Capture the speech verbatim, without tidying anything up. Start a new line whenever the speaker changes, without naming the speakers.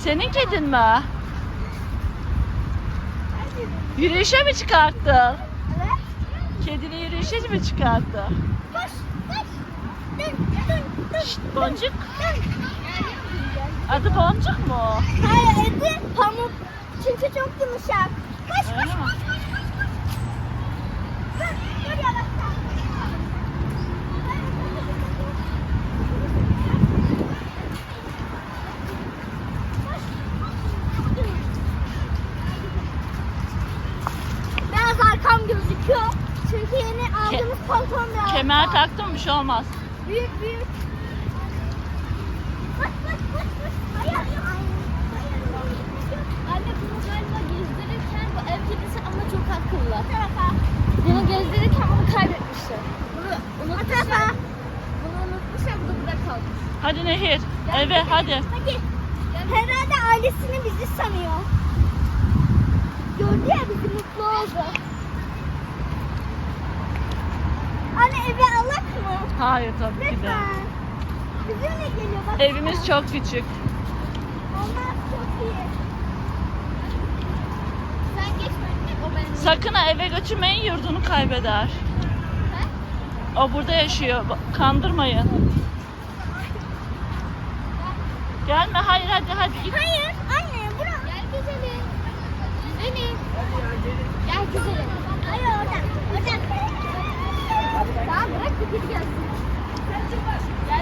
Senin kedin mi? Yürüyüşe mi çıkarttın?
Evet.
Kedini yürüyüşe mi çıkarttı?
Koş, koş. Dön, dön, dön.
Şşt, Boncuk.
Dön.
Adı Boncuk mu?
Hayır, eti pamuk. Çünkü çok yumuşak. Koş, koş,
Öyle mi?
koş, koş, koş, koş. Dur, dur yavaşça. Biraz arkam gözüküyor. Çünkü yeni aldığımız pantolon biraz.
Kemer taktın mı? Bir şey olmaz.
Büyük büyük. Koş koş koş koş. Hayır.
Anne bunu galiba gezdirirken bu ev kedisi ama çok akıllı.
Bu tarafa.
Bunu gezdirirken bunu kaybetmişler. Bunu
Bu
unutmuşlar.
tarafa.
Bunu unutmuşlar, bu da burada kalmış.
Hadi Nehir. Eve hadi.
Hadi. Herhalde ailesini bizi sanıyor. Gördü ya bizi, mutlu oldu. Anne eve alak mı?
Hayır tabii ki de.
Lütfen. Bizimle geliyor bak.
Evimiz çok küçük.
Olmaz, çok iyi.
Sen geçme anne, o benim.
Sakın ha eve götürmeyin, yurdunu kaybeder.
He?
O burada yaşıyor. Ba- Kandırmayın. Gelme. Hayır hadi hadi git.
Hayır anne bırak.
Gel güzelim. Güzelim. Gel güzelim.
Hayır oradan. Oradan.
Tamam bırak bir kedi gelsin.